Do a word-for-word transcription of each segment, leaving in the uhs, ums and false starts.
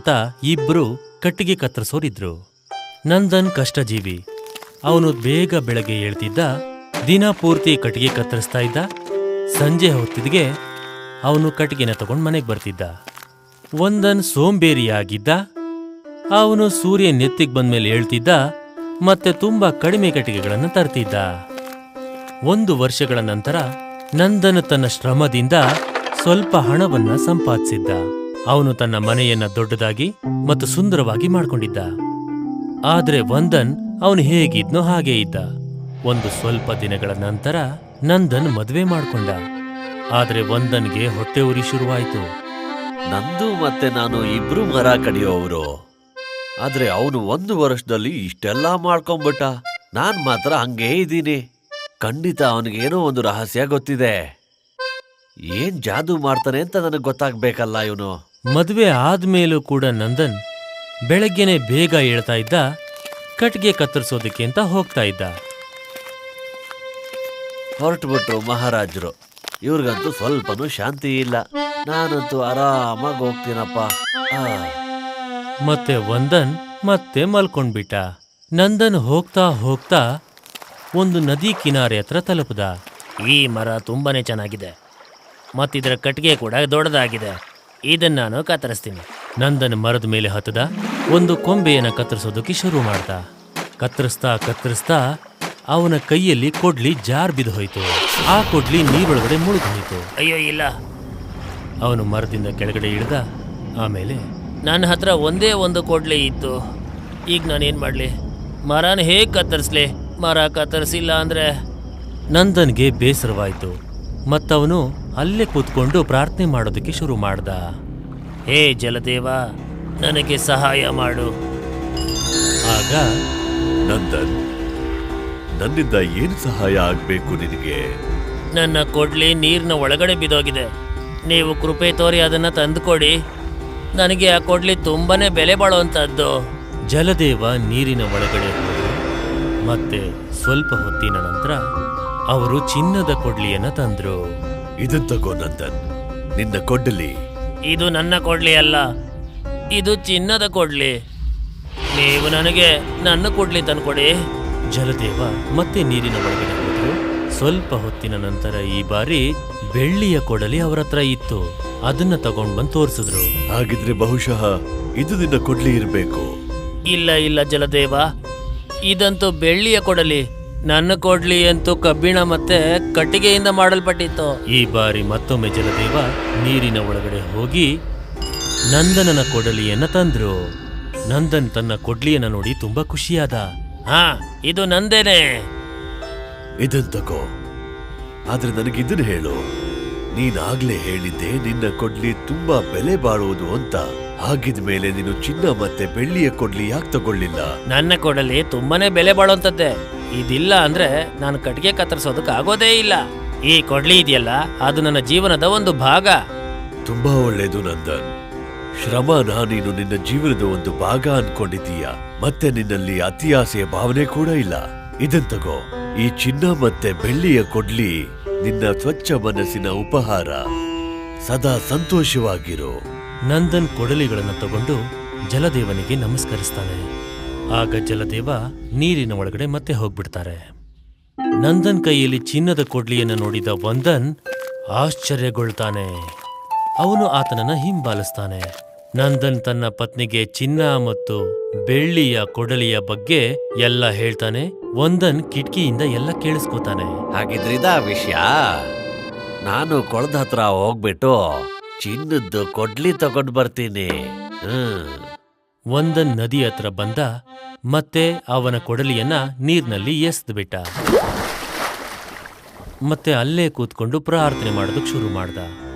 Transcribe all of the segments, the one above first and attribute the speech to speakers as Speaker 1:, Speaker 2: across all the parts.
Speaker 1: ಅಂತ ಇಬ್ರು ಕಟ್ಟಿಗೆ ಕತ್ತರಿಸೋರಿದ್ರು. ನಂದನ್ ಕಷ್ಟಜೀವಿ. ಅವನು ಬೇಗ ಬೆಳಗ್ಗೆ ಏಳ್ತಿದ್ದ, ದಿನ ಪೂರ್ತಿ ಕಟ್ಟಿಗೆ ಕತ್ತರಿಸ್ತಾ ಇದ್ದ. ಸಂಜೆ ಹೊತ್ತಿದ್ಗೆ ಅವನು ಕಟ್ಟಿಗೆನ ತಗೊಂಡು ಮನೆಗೆ ಬರ್ತಿದ್ದ. ವಂದನ್ ಸೋಂಬೇರಿಯಾಗಿದ್ದ. ಅವನು ಸೂರ್ಯ ನೆತ್ತಿಗೆ ಬಂದ್ಮೇಲೆ ಹೇಳ್ತಿದ್ದ ಮತ್ತೆ ತುಂಬಾ ಕಡಿಮೆ ಕಟ್ಟಿಗೆಗಳನ್ನು ತರ್ತಿದ್ದ. ಒಂದು ವರ್ಷಗಳ ನಂತರ ನಂದನ್ ತನ್ನ ಶ್ರಮದಿಂದ ಸ್ವಲ್ಪ ಹಣವನ್ನ ಸಂಪಾದಿಸಿದ್ದ. ಅವನು ತನ್ನ ಮನೆಯನ್ನ ದೊಡ್ಡದಾಗಿ ಮತ್ತು ಸುಂದರವಾಗಿ ಮಾಡ್ಕೊಂಡಿದ್ದ. ಆದ್ರೆ ವಂದನ್ ಅವನು ಹೇಗಿದ್ನೋ ಹಾಗೇ ಇದ್ದ. ಒಂದು ಸ್ವಲ್ಪ ದಿನಗಳ ನಂತರ ನಂದನ್ ಮದ್ವೆ ಮಾಡ್ಕೊಂಡ. ಆದ್ರೆ ವಂದನ್ಗೆ ಹೊಟ್ಟೆ ಉರಿ ಶುರುವಾಯ್ತು.
Speaker 2: ನಂದು ಮತ್ತೆ ನಾನು ಇಬ್ರು ಮರ ಕಡಿಯೋವ್ರು, ಆದ್ರೆ ಅವನು ಒಂದು ವರ್ಷದಲ್ಲಿ ಇಷ್ಟೆಲ್ಲ ಮಾಡ್ಕೊಂಡ್ಬಿಟ್ಟ. ನಾನ್ ಮಾತ್ರ ಹಂಗೇ ಇದ್ದೀನಿ. ಖಂಡಿತ ಅವನಿಗೇನೋ ಒಂದು ರಹಸ್ಯ ಗೊತ್ತಿದೆ. ಏನ್ ಜಾದೂ ಮಾಡ್ತಾನೆ ಅಂತ ನನಗೆ ಗೊತ್ತಾಗ್ಬೇಕಲ್ಲ ಇವನು.
Speaker 1: ಮದ್ವೆ ಆದ್ಮೇಲೂ ಕೂಡ ನಂದನ್ ಬೆಳಗ್ಗೆನೆ ಬೇಗ ಏಳ್ತಾ ಇದ್ದ. ಕಟ್ಗೆ ಕತ್ತರಿಸೋದಕ್ಕೆ ಅಂತ ಹೋಗ್ತಾ ಇದ್ದ.
Speaker 2: ಹೊರಟುಬಿಟ್ರು ಮಹಾರಾಜರು. ಇವ್ರಿಗಂತೂ ಸ್ವಲ್ಪನೂ ಶಾಂತಿ ಇಲ್ಲ. ನಾನಂತೂ ಆರಾಮಾಗಿ ಹೋಗ್ತೀನಪ್ಪ. ಆ
Speaker 1: ಮತ್ತೆ ವಂದನ್ ಮತ್ತೆ ಮಲ್ಕೊಂಡ್ಬಿಟ್ಟ. ನಂದನ್ ಹೋಗ್ತಾ ಹೋಗ್ತಾ ಒಂದು ನದಿ ಕಿನಾರೆ ಹತ್ರ ತಲುಪದ. ಈ ಮರ ತುಂಬಾನೇ ಚೆನ್ನಾಗಿದೆ, ಮತ್ತಿದರ ಕಟ್ಟಿಗೆ ಕೂಡ ದೊಡ್ಡದಾಗಿದೆ. ಇದನ್ನ ನಾನು ಕತ್ತರಿಸ್ತೀನಿ. ನಂದನ್ ಮರದ ಮೇಲೆ ಹತ್ತದ. ಒಂದು ಕೊಂಬೆಯನ್ನ ಕತ್ತರಿಸೋದಕ್ಕೆ ಶುರು ಮಾಡ್ದ. ಕತ್ತರಿಸ್ತಾ ಕತ್ತರಿಸ್ತಾ ಅವನ ಕೈಯಲ್ಲಿ ಕೊಡ್ಲಿ ಜಾರ್ ಬಿದ್ದು ಹೋಯ್ತು. ಆ ಕೊಡ್ಲಿ ನೀರೊಳಗಡೆ ಮುಳುಗೋಯ್ತು. ಅಯ್ಯೋ ಇಲ್ಲ. ಅವನು ಮರದಿಂದ ಕೆಳಗಡೆ ಇಳ್ದ. ಆಮೇಲೆ ನನ್ನ ಹತ್ರ ಒಂದೇ ಒಂದು ಕೊಡ್ಲಿ ಇತ್ತು. ಈಗ ನಾನೇನ್ ಮಾಡ್ಲಿ? ಮರನ ಹೇಗ್ ಕತ್ತರಿಸ್ಲಿ? ಮರ ಕತ್ತರಿಸಿಲ್ಲ ಅಂದ್ರೆ ನಂದನ್ಗೆ ಬೇಸರವಾಯ್ತು. ಮತ್ತವನು ಅಲ್ಲೇ ಕೂತ್ಕೊಂಡು ಪ್ರಾರ್ಥನೆ ಮಾಡೋದಕ್ಕೆ ಶುರು ಮಾಡ್ದ. ಹೇ ಜಲದೇವ, ನನಗೆ ಸಹಾಯ ಮಾಡು. ಆಗ
Speaker 2: ನಂದನ್, ನನ್ನಿಂದ ಏನು ಸಹಾಯ ಆಗ್ಬೇಕು ನಿನಗೆ?
Speaker 1: ನನ್ನ ಕೊಡ್ಲಿ ನೀರಿನ ಒಳಗಡೆ ಬಿದ್ದೋಗಿದೆ. ನೀವು ಕೃಪೆ ತೋರಿ ಅದನ್ನ ತಂದುಕೊಡಿ. ನನಗೆ ಆ ಕೊಡ್ಲಿ ತುಂಬಾನೇ ಬೆಲೆ ಬಾಳುವಂತದ್ದು. ಜಲದೇವ ನೀರಿನ ಒಳಗಡೆ ಹೋದರು. ಮತ್ತೆ ಸ್ವಲ್ಪ ಹೊತ್ತಿನ ನಂತರ ಅವರು ಚಿನ್ನದ ಕೊಡ್ಲಿಯನ್ನ ತಂದ್ರು.
Speaker 2: ಇದನ್ ತಗೋ ನಂದನ್, ನಿನ್ನ ಕೊಡ್ಲಿ.
Speaker 1: ಇದು ನನ್ನ ಕೊಡ್ಲಿ ಅಲ್ಲ, ಇದು ಚಿನ್ನದ ಕೊಡ್ಲಿ. ನೀವು ನನಗೆ ನನ್ನ ಕೊಡ್ಲಿ ತಂದ್ಕೊಡಿ. ಜಲದೇವ ಮತ್ತೆ ನೀರಿನ ಒಳಗಡೆ ಹೋದ್ರು. ಸ್ವಲ್ಪ ಹೊತ್ತಿನ ನಂತರ ಈ ಬಾರಿ ಬೆಳ್ಳಿಯ ಕೊಡಲಿ ಅವರ ಹತ್ರ ಇತ್ತು. ಅದನ್ನ ತಗೊಂಡ್ ಬಂದು ತೋರಿಸಿದ್ರು.
Speaker 2: ಹಾಗಿದ್ರೆ ಬಹುಶಃ ಇದು ನಿನ್ನ ಕೊಡ್ಲಿ ಇರಬೇಕು.
Speaker 1: ಇಲ್ಲ ಇಲ್ಲ ಜಲದೇವ, ಇದಂತೂ ಬೆಳ್ಳಿಯ ಕೊಡಲಿ. ನನ್ನ ಕೊಡ್ಲಿ ಅಂತೂ ಕಬ್ಬಿಣ ಮತ್ತೆ ಕಟ್ಟಿಗೆಯಿಂದ ಮಾಡಲ್ಪಟ್ಟಿತ್ತು. ಈ ಬಾರಿ ಮತ್ತೊಮ್ಮೆ ಜಲದೇವ ನೀರಿನ ಒಳಗಡೆ ಹೋಗಿ ನಂದನನ ಕೊಡಲಿಯನ್ನ ತಂದ್ರು. ನಂದನ್ ತನ್ನ ಕೊಡ್ಲಿಯನ್ನ ನೋಡಿ ತುಂಬಾ ಖುಷಿಯಾದ. ಹಾ, ಇದು ನಂದೇನೆ.
Speaker 2: ಇದನ್ ತಗೋ. ಆದ್ರೆ ನನಗಿದನ್ ಹೇಳು, ನೀನಾಗ್ಲೇ ಹೇಳಿದ್ದೆ ನಿನ್ನ ಕೊಡ್ಲಿ ತುಂಬಾ ಬೆಲೆ ಬಾಳುವುದು ಅಂತ. ಹಾಗಿದ್ಮೇಲೆ ನೀನು ಚಿನ್ನ ಮತ್ತೆ ಬೆಳ್ಳಿಯ ಕೊಡ್ಲಿ ಯಾಕೆ ತಗೊಳ್ಳಿಲ್ಲ?
Speaker 1: ನನ್ನ ಕೊಡಲಿ ತುಂಬಾನೇ ಬೆಲೆ ಬಾಳುವಂತದ್ದೇ. ಇದಿಲ್ಲ ಅಂದ್ರೆ ನಾನು ಕಟ್ಟಿಗೆ ಕತ್ತರಿಸೋದಕ್ಕೆ ಆಗೋದೇ ಇಲ್ಲ. ಈ ಕೊಡ್ಲಿ ಇದೆಯಲ್ಲ, ಅದು ನನ್ನ ಜೀವನದ ಒಂದು ಭಾಗ.
Speaker 2: ತುಂಬಾ ಒಳ್ಳೇದು ನಂದನ್. ಶ್ರಮನ ನೀನು ನಿನ್ನ ಜೀವನದ ಒಂದು ಭಾಗ ಅನ್ಕೊಂಡಿದ್ದೀಯ. ಮತ್ತೆ ನಿನ್ನಲ್ಲಿ ಅತಿಯಾಸೆಯ ಭಾವನೆ ಕೂಡ ಇಲ್ಲ. ಇದನ್ ತಗೋ. ಈ ಚಿನ್ನ ಮತ್ತೆ ಬೆಳ್ಳಿಯ ಕೊಡ್ಲಿ ನಿನ್ನ ಸ್ವಚ್ಛ ಮನಸ್ಸಿನ ಉಪಹಾರ. ಸದಾ ಸಂತೋಷವಾಗಿರು.
Speaker 1: ನಂದನ್ ಕೊಡಲಿಗಳನ್ನು ತಗೊಂಡು ಜಲದೇವನಿಗೆ ನಮಸ್ಕರಿಸ್ತಾನೆ. ಆಗ ಜಲದೇವ ನೀರಿನ ಒಳಗಡೆ ಮತ್ತೆ ಹೋಗ್ಬಿಡ್ತಾರೆ. ನಂದನ್ ಕೈಯಲ್ಲಿ ಚಿನ್ನದ ಕೊಡ್ಲಿಯನ್ನು ನೋಡಿದ ವಂದನ್ ಆಶ್ಚರ್ಯಗೊಳ್ತಾನೆ. ಅವನು ಆತನನ್ನ ಹಿಂಬಾಲಿಸ್ತಾನೆ. ನಂದನ್ ತನ್ನ ಪತ್ನಿಗೆ ಚಿನ್ನ ಮತ್ತು ಬೆಳ್ಳಿಯ ಕೊಡಲಿಯ ಬಗ್ಗೆ ಎಲ್ಲ ಹೇಳ್ತಾನೆ. ವಂದನ್ ಕಿಟಕಿಯಿಂದ ಎಲ್ಲ ಕೇಳಿಸ್ಕೊತಾನೆ.
Speaker 2: ಹಾಗಿದ್ರಿದ ವಿಷಯ. ನಾನು ಕೊಳದ ಹತ್ರ ಹೋಗ್ಬಿಟ್ಟು ಚಿನ್ನದ್ದು ಕೊಡ್ಲಿ ತಗೊಂಡ್ ಬರ್ತೀನಿ. ಹ್ಮ್
Speaker 1: ವಂದನ್ ನದಿ ಹತ್ರ ಬಂದ. ಮತ್ತೆ ಅವನ ಕೊಡಲಿಯನ್ನ ನೀರ್ನಲ್ಲಿ ಎಸ್ದ್ಬಿಟ್ಟ. ಮತ್ತೆ ಅಲ್ಲೇ ಕೂತ್ಕೊಂಡು ಪ್ರಾರ್ಥನೆ ಮಾಡೋದಕ್ಕೆ ಶುರು ಮಾಡ್ದ.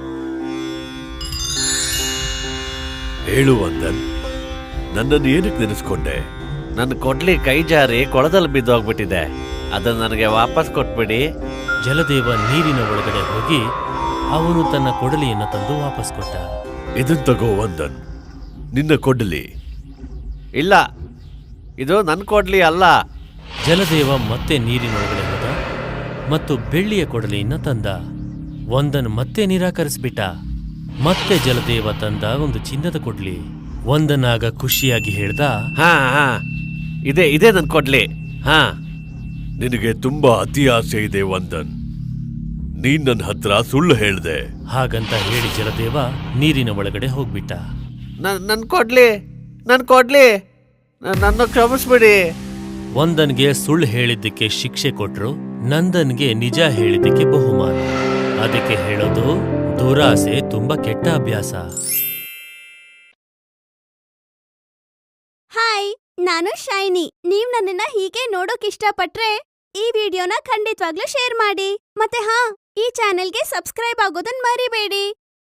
Speaker 2: ಹೇಳು ವಂದನ್, ನನ್ನನ್ನು ಏನಕ್ಕೆ ನೆನೆಸ್ಕೊಂಡೆ? ನನ್ನ ಕೊಡ್ಲಿ ಕೈ ಜಾರಿ ಕೊಳದಲ್ಲಿ ಬಿದ್ದೋಗ್ಬಿಟ್ಟಿದೆ. ಅದನ್ನ ನನಗೆ ವಾಪಸ್ ಕೊಟ್ಬಿಡಿ.
Speaker 1: ಜಲದೇವ ನೀರಿನ ಒಳಗಡೆ ಹೋಗಿ ಅವನು ತನ್ನ ಕೊಡಲಿಯನ್ನು ತಂದು ವಾಪಸ್ ಕೊಟ್ಟ.
Speaker 2: ಇದನ್ ತಗೋ ವಂದನ್, ನಿನ್ನ ಕೊಡ್ಲಿ. ಇಲ್ಲ, ಇದು ನನ್ನ ಕೊಡ್ಲಿ ಅಲ್ಲ.
Speaker 1: ಜಲದೇವ ಮತ್ತೆ ನೀರಿನೊಳಗಡೆ ಹೋದ ಮತ್ತು ಬೆಳ್ಳಿಯ ಕೊಡಲಿಯನ್ನ ತಂದ. ವಂದನ್ ಮತ್ತೆ ನಿರಾಕರಿಸ್ಬಿಟ್ಟ. ಮತ್ತೆ ಜಲದೇವ ತಂದ ಒಂದು ಚಿನ್ನದ ಕೊಡ್ಲಿ. ವಂದನಾಗ ಖುಷಿಯಾಗಿ ಹೇಳ್ದ,
Speaker 2: ಹಾ ಹಾ ಇದೇ ಇದೇ ನನ್ ಕೊಡ್ಲಿ. ಹಾ ನಿನಗೆ ತುಂಬಾ ಅತಿ ಆಸೆ ಇದೆ ವಂದನ್. ನೀನ್ ನನ್ನ ಹತ್ರ ಸುಳ್ಳು ಹೇಳ್ದೆ.
Speaker 1: ಹಾಗಂತ ಹೇಳಿ ಜಲದೇವ ನೀರಿನ ಒಳಗಡೆ ಹೋಗ್ಬಿಟ್ಟ.
Speaker 2: ನನ್ ಕೊಡ್ಲಿ ನನ್ ಕೊಡ್ಲಿ ನನ್ನ ಕ್ಷಮಿಸ್ಬಿಡಿ.
Speaker 1: ವಂದನ್ಗೆ ಸುಳ್ಳು ಹೇಳಿದ್ದಕ್ಕೆ ಶಿಕ್ಷೆ ಕೊಟ್ರು, ನಂದನ್ಗೆ ನಿಜ ಹೇಳಿದ್ದಕ್ಕೆ ಬಹುಮಾನ. ಅದಕ್ಕೆ ಹೇಳೋದು, ದುರಾಸೆ ತುಂಬಾ ಕೆಟ್ಟ ಅಭ್ಯಾಸ.
Speaker 3: ಹಾಯ್, ನಾನು ಶೈನಿ. ನೀವ್ ನನ್ನನ್ನ ಹೀಗೆ ನೋಡೋಕ್ ಇಷ್ಟಪಟ್ರೆ ಈ ವಿಡಿಯೋನ ಖಂಡಿತವಾಗ್ಲೂ ಶೇರ್ ಮಾಡಿ. ಮತ್ತೆ ಹಾ, ಈ ಚಾನೆಲ್ಗೆ ಸಬ್ಸ್ಕ್ರೈಬ್ ಆಗೋದನ್ ಮರಿಬೇಡಿ.